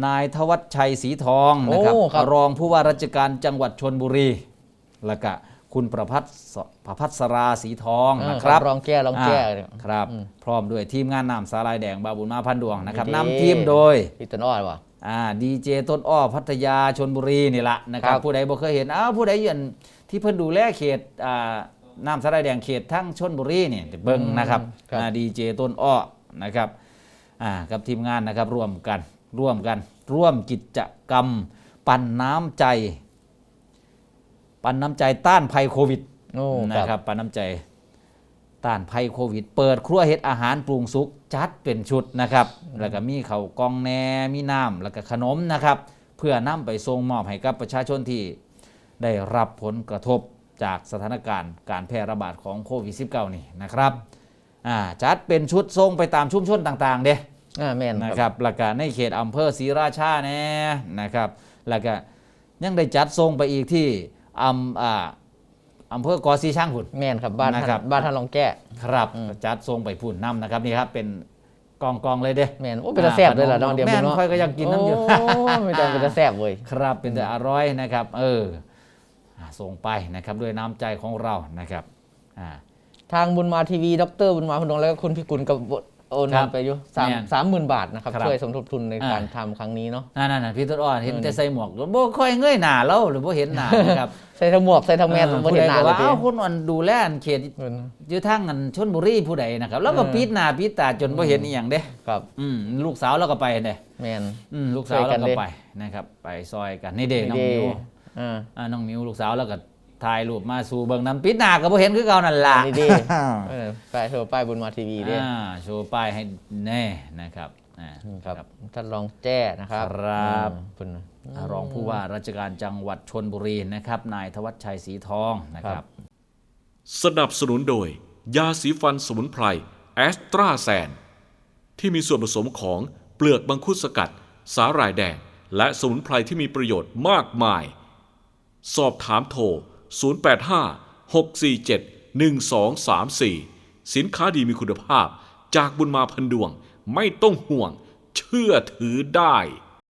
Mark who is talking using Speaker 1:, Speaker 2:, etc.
Speaker 1: นายธวัชชัยศรีทองนะครับรองผู้ว่าราชการจังหวัดชลบุรีแล้วก็คุณประพัสราศรีทองนะครับ
Speaker 2: รองแก้
Speaker 1: ครับพร้อมด้วยทีมงานนำสาลายแดงบาบุญมาพันดวงนะครับนำทีมโดย
Speaker 2: พี่ต้นอ้อว่ะ
Speaker 1: ดีเจต้นอ้อพัทยาชลบุรีนี่แหละนะครับผู้ใดบ่เคยเห็นผู้ใดยืนที่เพิ่นดูแลเขตน้ำสาลายแดงเขตทั้งชลบุรีนี่เบิ่งนะครับดีเจต้นอ้อนะครับกับทีมงานนะครับร่วมกิจกรรมปั่นน้ำใจต้านภัยโควิดนะครับปั่นน้ำใจต้านภัยโควิดเปิดครัวเฮ็ดอาหารปรุงสุกจัดเป็นชุดนะครับแล้วก็มีข้าวกล่องแหนมีน้ำแล้วก็ขนมนะครับเพื่อนำไปส่งมอบให้กับประชาชนที่ได้รับผลกระทบจากสถานการณ์การแพร่ระบาดของโควิด -19 นี่นะครับจัดเป็นชุดส่งไปตามชุมชนต่างๆเด้
Speaker 2: แม่น
Speaker 1: นะครับแล้วก็ในเขตอำเภอศรีราชาแน่นะครับแล้วก็ยังได้จัดส่งไปอีกที่อำเภอกอซีช่างพุ่น
Speaker 2: แม่นครับบ้านท่านรองแก้
Speaker 1: ครับจัดส่งไปพุ่นน้ำนะครับนี่ครับเป็นกองเลยเด้
Speaker 2: แม่นเป็นตะแซ่บเลยล่ะน้องเดียว
Speaker 1: แม่นค่อยก็อยากกินน้ำอยู่
Speaker 2: ไม่ต้องเป็นตะแซ่บเว้ย
Speaker 1: ครับเป็นแต่อร่อยนะครับส่งไปนะครับด้วยน้ำใจของเรานะครับ
Speaker 2: ทางบุญมาทีวีดรบุญมาพนงแล้วก็คุณพิกุลกับโอนเงินไปอยู่30,000 บาทนะครับช่วยสมทบทุนในการทำครั้งนี้เนาะ
Speaker 1: นั่นพี่ต้นอ้อเห็นแต่ใส่หมวกบ่ค่อยเงยหน้าแล้วหรือบ่เห็นหน้านะครับ
Speaker 2: ใส่ทั้งหมวกใส่ทั้งแมสบ่เห็นหน้าเลย
Speaker 1: ว่าคนอันดูแลเขตอยู่ทางอันชลบุรีผู้ใดนะครับแล้วก็ปิดหน้าปิดตาจนบ่เห็นอีหยังเด้
Speaker 2: ครับ
Speaker 1: ลูกสาวเราก็ไปเด้
Speaker 2: แม่น
Speaker 1: ลูกสาวเราก็ไปนะครับไปซอยกันนี่เด้น้องมิวน้องมิวลูกสาวแล้วก็ถ่ายรูปมาสู่เบิ่งน้ำปิดหน้าก็บ่เห็นคือเก่านั่นล่ะ
Speaker 2: ดีไปโชว์ป้ายบุญมาทีวีด้วย
Speaker 1: โชว์ป้ายให้แน่นะครับ
Speaker 2: ครับท่านรองแจ้นะครับ
Speaker 1: ครับรองผู้ว่าราชการจังหวัดชลบุรีนะครับนายธวัชชัยศรีทองนะครับ
Speaker 3: สนับสนุนโดยยาสีฟันสมุนไพรแอสตราแซนที่มีส่วนผสมของเปลือกมังคุดสกัดสาหร่ายแดงและสมุนไพรที่มีประโยชน์มากมายสอบถามโทร085-647-1234 สินค้าดีมีคุณภาพจากบุญมาพันดวงไม่ต้องห่วงเชื่อถือได้